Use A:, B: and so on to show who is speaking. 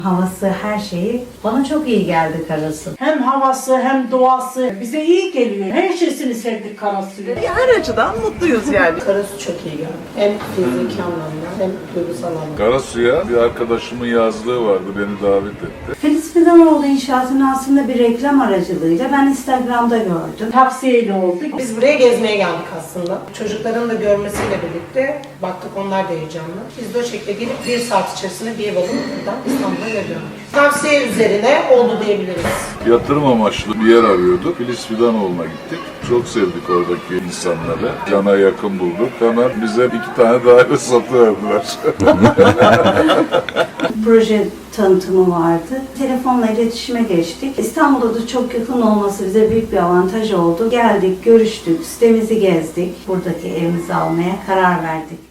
A: Havası, her şeyi bana çok iyi geldi Karasu'nun.
B: Hem havası hem doğası bize iyi geliyor. Her şeysini sevdik Karasu'yu.
C: Her açıdan mutluyuz yani.
D: Karasu çok iyi geldi. Hem fiziki anlamda hem duygusal anlamda.
E: Karasu'ya bir arkadaşımın yazlığı vardı, beni davet etti.
A: Filiz Fidanoğlu İnşaatı'nın aslında bir reklam aracılığıyla ben Instagram'da gördüm.
B: Tavsiyeyle olduk.
D: Biz buraya gezmeye geldik aslında. Çocukların da görmesiyle birlikte baktık onlar da heyecanlı. Biz de o şekilde gelip 1 saat içerisinde bir ev alıp buradan İstanbul'a geliyoruz. Tavsiye üzerine oldu diyebiliriz.
E: Yatırım amaçlı bir yer arıyorduk. Filiz Fidanoğlu'na gittik. Çok sevdik oradaki insanları. Cana yakın bulduk. Hemen bize 2 tane daire satıverdiler.
A: Proje tanıtımı vardı. Telefonla iletişime geçtik. İstanbul'da da çok yakın olması bize büyük bir avantaj oldu. Geldik, görüştük, sitemizi gezdik. Buradaki evimizi almaya karar verdik.